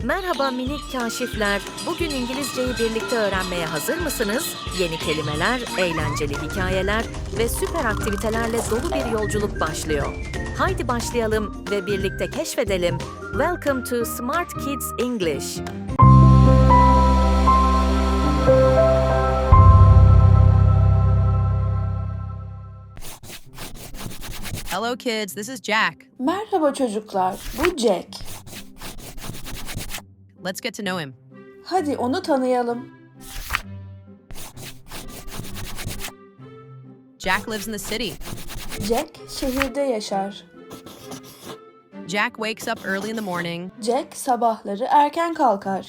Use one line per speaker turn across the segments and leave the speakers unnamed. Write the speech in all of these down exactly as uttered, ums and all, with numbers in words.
Merhaba minik kaşifler. Bugün İngilizceyi birlikte öğrenmeye hazır mısınız? Yeni kelimeler, eğlenceli hikayeler ve süper aktivitelerle dolu bir yolculuk başlıyor. Haydi başlayalım ve birlikte keşfedelim. Welcome to Smart Kids English.
Hello kids, this is Jack.
Merhaba çocuklar, bu Jack.
Let's get to know him.
Hadi onu tanıyalım.
Jack lives in the city.
Jack şehirde yaşar.
Jack wakes up early in the morning.
Jack sabahları erken kalkar.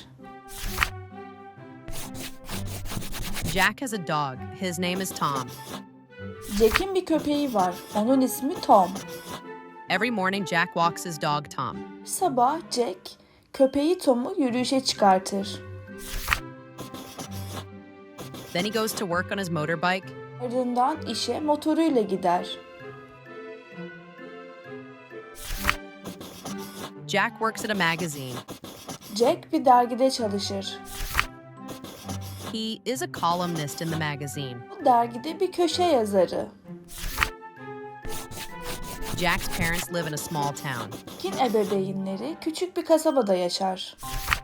Jack has a dog. His name is Tom.
Jack'in bir köpeği var. Onun ismi Tom.
Every morning Jack walks his dog Tom.
Bir sabah Jack köpeği Tom'u yürüyüşe çıkartır.
Then he goes to work on his motorbike.
Ardından işe motoruyla gider.
Jack works at a magazine.
Jack bir dergide çalışır.
He is a columnist in the magazine.
Bu dergide bir köşe yazarı.
Jack's parents live in a small town.
Jack'in ebeveynleri küçük bir kasabada yaşar.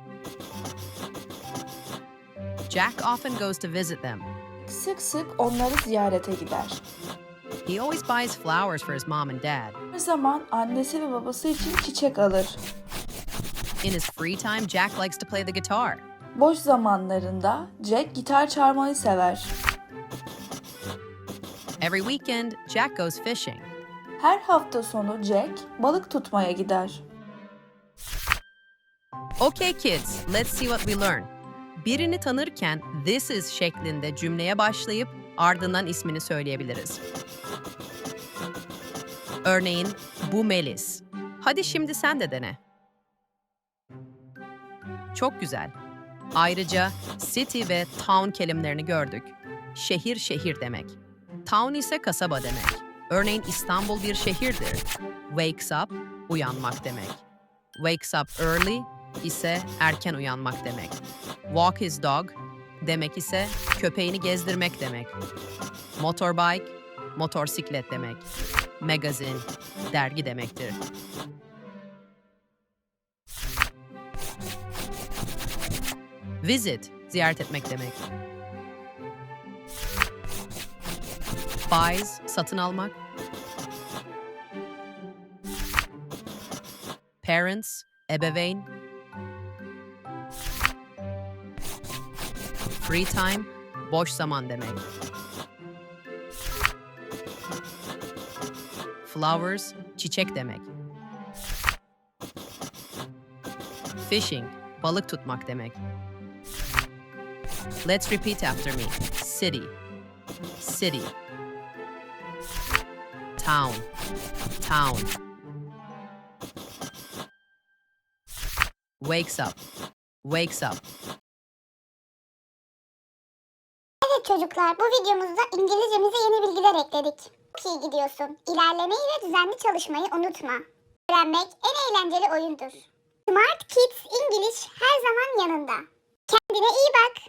Jack often goes to visit them.
Sık sık onları ziyarete gider.
He always buys flowers for his mom and dad.
Her zaman annesi ve babası için çiçek alır.
In his free time, Jack likes to play the guitar.
Boş zamanlarında Jack gitar çalmayı sever.
Every weekend, Jack goes fishing.
Her hafta sonu Jack balık tutmaya gider.
Okay kids, let's see what we learn. Birini tanırken this is şeklinde cümleye başlayıp ardından ismini söyleyebiliriz. Örneğin bu Melis. Hadi şimdi sen de dene. Çok güzel. Ayrıca city ve town kelimelerini gördük. Şehir şehir demek. Town ise kasaba demek. Örneğin İstanbul bir şehirdir. Wakes up, uyanmak demek. Wakes up early ise erken uyanmak demek. Walk his dog demek ise köpeğini gezdirmek demek. Motorbike, motorsiklet demek. Magazine, dergi demektir. Visit, ziyaret etmek demek. Buys, satın almak. Parents, ebeveyn. Free time, boş zaman demek. Flowers, çiçek demek. Fishing, balık tutmak demek. Let's repeat after me. City, city. Town, town. Wakes up, wakes up.
Evet çocuklar, bu videomuzda İngilizcemize yeni bilgiler ekledik. Çok iyi gidiyorsun. İlerlemeyi ve düzenli çalışmayı unutma. Öğrenmek en eğlenceli oyundur. Smart Kids English her zaman yanında. Kendine iyi bak.